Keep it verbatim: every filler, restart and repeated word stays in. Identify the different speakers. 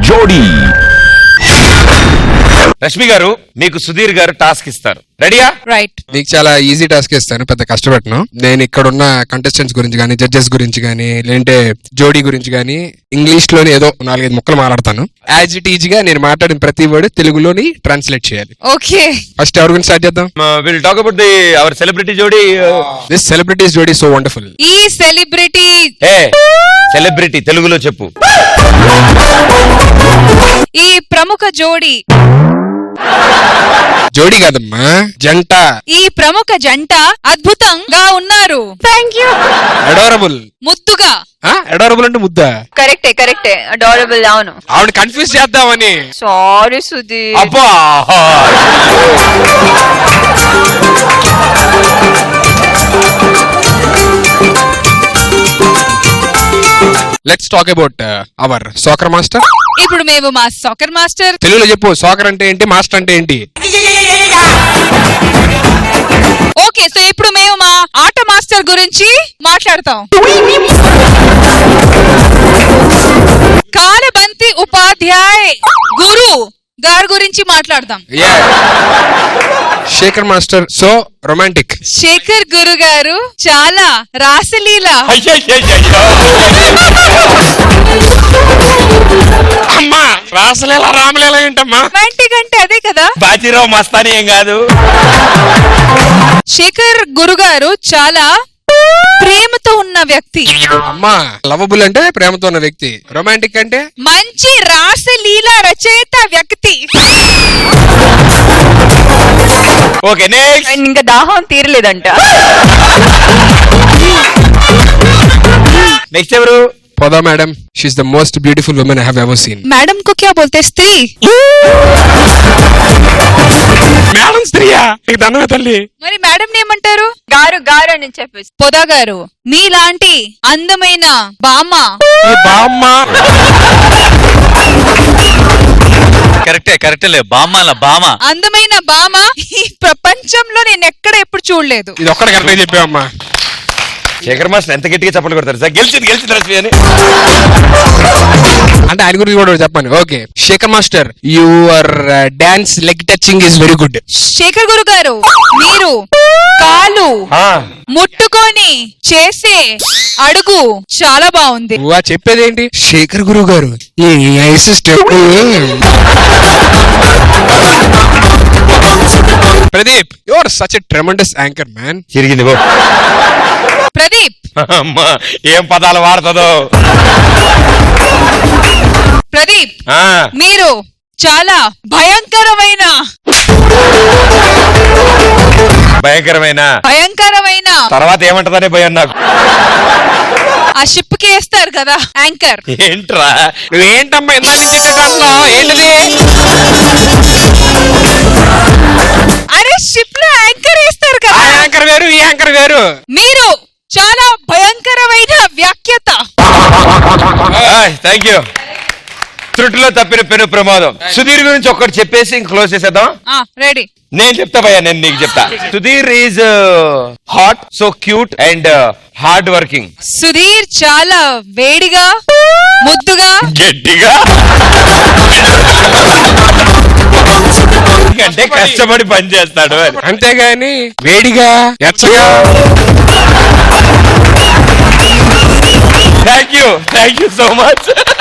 Speaker 1: జోడీ.
Speaker 2: రష్మి గారు, మీకు సుధీర్ గారు టాస్క్ ఇస్తారు, రెడీయా?
Speaker 3: రైట్.
Speaker 4: నీకు చాలా ఈజీ టాస్క్ ఇస్తాను, పెద్ద కష్టపెట్టను. నేను ఇక్కడ ఉన్న కంటెస్టెంట్స్ గురించి కానీ, జడ్జెస్ గురించి కానీ, లేదంటే జోడీ గురించి కానీ ఇంగ్లీష్ లోని ఏదో నాలుగైదు ముక్కలు మాట్లాడతాను. యాజ్ ఇట్ ఈజ్ గా నేను మాట్లాడిన ప్రతి వర్డ్ తెలుగులోని ట్రాన్స్లేట్ చేయాలి.
Speaker 3: ఓకే.
Speaker 4: ఫస్ట్ ఎవరి గురించి స్టార్ట్ చేద్దాం?
Speaker 2: Will talk about the our celebrity జోడీ.
Speaker 4: దిస్ సెలబ్రిటీస్ జోడీ సో వండర్ఫుల్.
Speaker 3: ఈ సెలబ్రిటీ
Speaker 2: ఏ సెలబ్రిటీ తెలుగులో చెప్పు.
Speaker 3: ఈ ప్రముఖ జోడీ.
Speaker 4: జోడీ కాదమ్మా, జంట.
Speaker 3: ఈ ప్రముఖ జంట అద్భుతంగా ఉన్నారు. Thank you.
Speaker 4: అడోరబుల్.
Speaker 3: ముద్దుగా.
Speaker 4: అడోరబుల్ అంటే ముద్దా?
Speaker 5: కరెక్టే కరెక్టే అడోరబుల్. అవును,
Speaker 4: ఆవిడ కన్ఫ్యూజ్ చేద్దామని.
Speaker 5: సారీ సుధీర్.
Speaker 2: అబ్బా,
Speaker 4: let's talk about our Sekhar master.
Speaker 3: ఇప్పుడు మేము మా సాకర్ మాస్టర్.
Speaker 4: తెలుగులో చెప్పు, సాకర్ అంటే ఏంటి, మాస్టర్ అంటే ఏంటి?
Speaker 3: ఓకే, సో ఇప్పుడు మేము మా ఆట మాస్టర్ గురించి మాట్లాడతాం. కాలబంతి ఉపాధ్యాయ్ గురు గారి గురించి మాట్లాడదాం.
Speaker 4: Sekhar master so romantic.
Speaker 3: Sekhar గురు గారు చాలా రాసలీల.
Speaker 4: అమ్మా, రాసలీల రామలీల ఏంటమ్మా?
Speaker 3: రొమాంటిక్ అంటే అదే కదా.
Speaker 2: బాజీరావు మస్తాని ఏం కాదు.
Speaker 3: శేఖర్ గురు గారు చాలా ప్రేమతో ఉన్న వ్యక్తి.
Speaker 4: అమ్మా, లవబుల్ అంటే ప్రేమతో ఉన్న వ్యక్తి, రొమాంటిక్ అంటే
Speaker 3: మంచి రాసలీల రచయిత వ్యక్తి.
Speaker 2: Okay, next.
Speaker 5: అండ్ ఇంకా దాహం తీరలేదంట.
Speaker 2: నెక్స్ట్ ఎవరు?
Speaker 4: పొదా madam. She's the most beautiful woman I have ever seen.
Speaker 3: Madam కు క్యా బోల్తే? స్త్రీ.
Speaker 4: మేడం స్త్రీయా? నీకు దండమే తల్లి.
Speaker 3: మరి మేడం ఏమంటారు?
Speaker 5: గారు గారు అని చెప్పేసి.
Speaker 3: పొదా గారు, మీలాంటి అందమైన బామ్మ.
Speaker 4: ఈ బామ్మ.
Speaker 6: కరెక్టే కరెక్టే బామ్మ బామ
Speaker 3: అందమైన బామ్మ ఈ ప్రపంచంలో నేను ఎక్కడ ఎప్పుడు చూడలేదు.
Speaker 4: ఇది ఒక్కడ కరెక్ట్ చెప్పావమ్మా.
Speaker 2: శేఖర్ మాస్టర్ ఎంత గట్టిగా చప్పట్లు కొడతారు సార్. గెలిచింది గెలిచింది రష్మి అని.
Speaker 4: అంటే ఆయన గురించి కూడా చెప్పండి. Okay, Sekhar master, your dance leg touching is very good.
Speaker 3: Sekhar గురు గారు, మీరు కాలు
Speaker 2: ఆ,
Speaker 3: ముట్టుకొని చేసే అడుగు చాలా బాగుంది.
Speaker 4: నువ్వు చెప్పేది ఏంటి? శేఖర్ గురు గారు ఈ ice step. Pradeep, you are such a tremendous anchor man.
Speaker 2: తిరిగింది గో.
Speaker 3: ప్రదీప్.
Speaker 2: అమ్మా, ఏం పదాలు వాడుతుందో.
Speaker 3: ప్రదీప్,
Speaker 2: ఆ,
Speaker 3: మీరు చాలా భయంకరమైన
Speaker 2: భయంకరమైన
Speaker 3: భయంకరమైన
Speaker 2: తర్వాత ఏమంటదనే భయం నాకు.
Speaker 3: ఆ షిప్ కి వేస్తారు కదా యాంకర్.
Speaker 2: ఏంట్రా
Speaker 4: నువ్వేంటమ్మా ఇందాక చెప్పేటన్నావు? ఏంటిది?
Speaker 3: అరే, షిప్ లో యాంకర్ వేస్తారు
Speaker 4: ఆ
Speaker 3: కదా.
Speaker 4: యాంకర్ వేరు, ఈ యాంకర్ వేరు.
Speaker 3: మీరు చాలా భయంకరమైన వ్యాఖ్యత.
Speaker 2: Thank you. త్రుటిలో తప్పిన పెను ప్రమాదం. సుధీర్ గురించి ఒక్కటి చెప్పేసి ఇంక క్లోజ్ చేసేద్దాం.
Speaker 3: రెడీ.
Speaker 2: నేను చెప్తా భయ్యా, నేను నీకు చెప్తా. Sudheer is hot, so cute and hard working.
Speaker 3: Sudheer చాలా వేడిగా, ముద్దుగా,
Speaker 2: గట్టిగా అంటే కష్టపడి పని చేస్తాడు అని.
Speaker 4: అంతేగాని వేడిగా ఎచ్చగా.
Speaker 2: Thank you thank you so much.